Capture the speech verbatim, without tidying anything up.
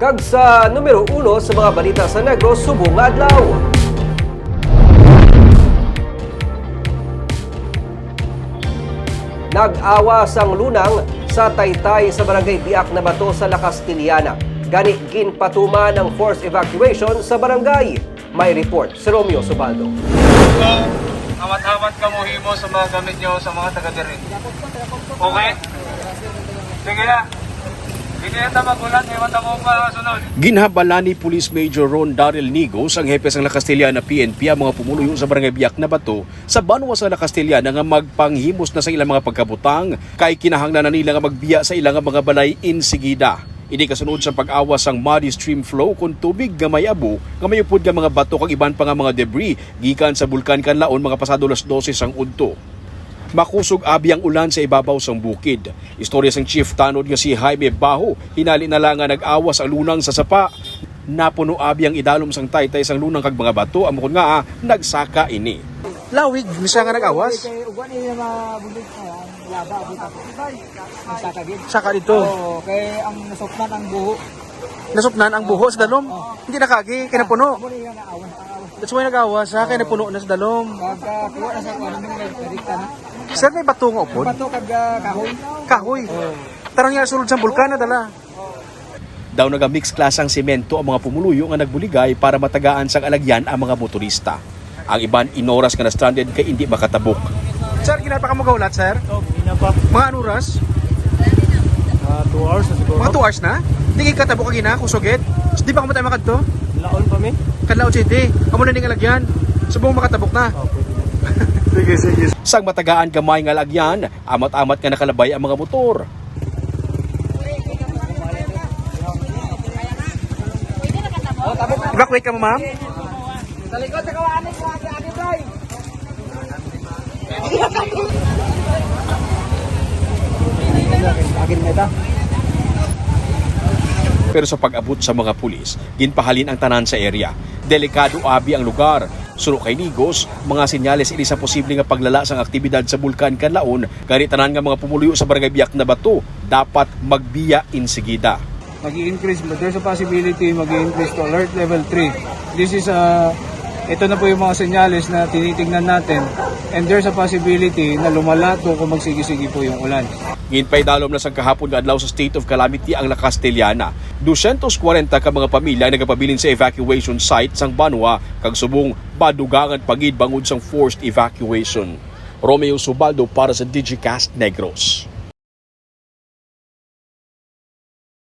Kag sa numero uno sa mga balita sa Negros subong nga adlaw. Nag-awa sang lunang sa taytay sa barangay Biak na Bato sa La Castillana. Gani ginpatuman ang forced evacuation sa barangay. May report si Romeo Subaldo. So, amat-amat ka mo himo sa mga gamit nyo sa mga taga-diri. Okay? Sige na. Hindi na tamagulan, iwan mo pa sunod. Ginhabala ni Police Major Ron Daryl Nigos, ang hepe ng La Castillana P N P, ang mga pumuluyo sa barangay Biak na Bato sa banwa sa La Castillana nga magpanghimos na sa ilang mga pagkabutang kay kinahanglan na nila nga magbiya sa ilang mga balay insigida. Ini kasunod sa pag-awas ang muddy stream flow kung tubig nga may abo nga mayupod nga mga bato kag iban pa nga mga debris gikan sa bulkan kanlaon mga pasado las dose ang udto. Makusog abi ang ulan sa ibabaw sang bukid. Istorya sang chief tanod nga si Jaime Baho, hinali na lang nga nag-awas ang lunang sa sapa. Napuno abi ang idalom sang taytay sang lunang kag mga bato, amon nga ah, nagsaka ini. Lawig, misa nga nag-awas. Kay uban ni mabulig na laba dito. Saka gid. Saka dito. Oo, kay ang nasukman ang buho. Nasupnan ang buho sa dalom. Hindi nakagi, kay napuno. Amo ni nga naawan, naawan. That's why nag-awas ha, kay napuno na sa dalom. Pagka kuha na sa kuha namin nagdikta na. Sir, may bato nga upod? Bato kag ah, kahoy. Kahoy. Tarang nga sulod sa bulkan na dala. Daw naga-mix klasang semento ang mga pumuluyo nga nagbuligay para matagaan sang alagyan ang mga motorista. Ang iban inoras nga na-stranded kay hindi makatabok. Sir, ginapa ka mo gaulat, sir? Oh, ina pa. Mga anong oras? Uh, two hours na siguro. Mga two hours na? Hindi kayo katabok ka gina, kusugit? So, di ba kamatay makadto? Laon pa mi? Kadlaon City. Amo na ning alagyan. Subong makatabok na. Oh, pwede. Sige, sige. Sang matagaan gamay nga alagyan, amat-amat nga nakalabay ang mga motor. Evacuate ka mo, ma'am? Sa likod sa kawaan ni Kuya Ate Bray. Agin na ita. Pero sa pag-abot sa mga pulis, ginpahalin ang tanan sa area. Delikado abi ang lugar. Suro kay Nigos, mga senyales ini sa posible nga paglala sang aktibidad sa bulkan kanlaon, kani tanan nga mga pumuluyo sa barangay Biak na Bato dapat magbiya insigida. Mag-i-increase, but there's a possibility mag-i-increase to alert level three. This is a, ito na po yung mga senyales na tinitingnan natin, and there's a possibility na lumala to kung magsigi-sigi po yung ulan. Ginpay dalom na sang kahapon nga adlaw sa state of calamity ang La Castillana. two hundred forty ka mga pamilya ang nagapabilin sa evacuation site sang Banwa kag subong badugangan pagid bangod sang forced evacuation. Romeo Subaldo para sa Digicast Negros.